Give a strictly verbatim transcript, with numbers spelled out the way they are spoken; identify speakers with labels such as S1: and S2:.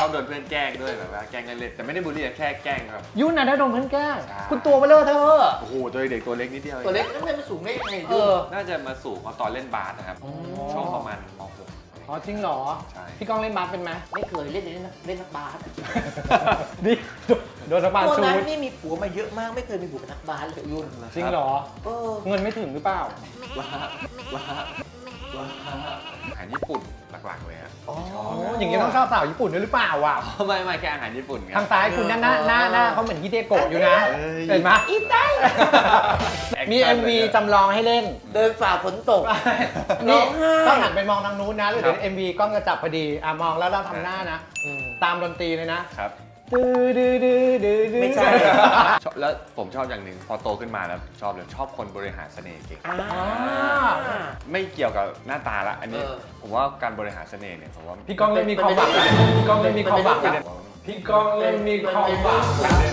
S1: อบโดนเพื่อนแกล้งด้วยแบบว่าแกล้งกันเล่นแต่ไม่ได้บูลลี่แค่แกล้งครับ
S2: ยุ่นนะได้โดนเพื่อนแกล้ง
S1: ใช่
S2: คุณตัวเบลอเธอ
S1: โอ้โหตัวเด็กตัวเล็กนิดเดียว
S3: ตัวเล็กนั่นไม่สูงได้ยังไง
S2: เอ
S3: ยุ่
S2: อ
S1: น่าจะมาสู่เขาตอนเล่นบาสนะครับช่วงประมาณม .หก
S2: อ๋อจริงเหรอ
S1: ใช่
S2: พี่ก้องเล่นบาสเป็นไหม
S3: ไม่เคยเล่นเล่นเล่นนักบาส
S2: ดิโดนนักบาส
S3: ตัว
S2: ชู
S3: นั้น
S2: ด
S3: นี่มีผัวมาเยอะมากไม่เคยมีผัวเป็นนักบาสเลยยุ่น
S2: จริงเหรอ
S3: เออ
S2: เงินไม่ถึงหรือเปล่า
S1: ว้าว้าว้าอาหารญี่ปุ่นหลักๆเลยอะ
S3: อ๋อ
S2: โอ้อย่างงี้ต้องชอบสาวญี่ปุ่นด้วยหรือเปล่าวะ
S1: ไม่ไม่แค่อาหารญี่ปุ่นครั
S2: ทางซ้ายคุณหน้าหน้าหน้าหน้าเขาเหมือนฮิเดโกะอยู่นะ
S1: เอ้ย
S2: เห็นไหม
S3: อีได้
S2: มี เอ็ม วี จำลองให้เล่น
S3: เดินฝ่าฝนตก ร้
S2: นี่
S3: องไห้
S2: ต้องหันไปมองทางนู้นนะหรือ
S1: ครับ
S2: เดี๋ยว เอ็ม วี กล้องจะจับพอดีอ่ะมองแล้วเราทำหน้านะ
S3: อืม
S2: ตามดนตรีเลยนะครับ ดื้อดื้อดื้อดื้อดื้อ
S3: ไม่ใช่
S1: ชอบแล้วผมชอบอย่างหนึ่งพอโตขึ้นมาแล้วชอบเลยชอบคนบริหารเสน่ห์เก่ง
S3: อ่า
S1: ไม่เกี่ยวกับหน้าตาละอันนี้
S3: เออ
S1: ผมว่าการบริหารเสน่ห์เนี่ยผมว่า
S2: พี่ก้องเริ่มมีความหวังแล้วพี่ก้องเริ่มมีความหวังแล้วพี่ก้องเริ่มมีความหวังแล้ว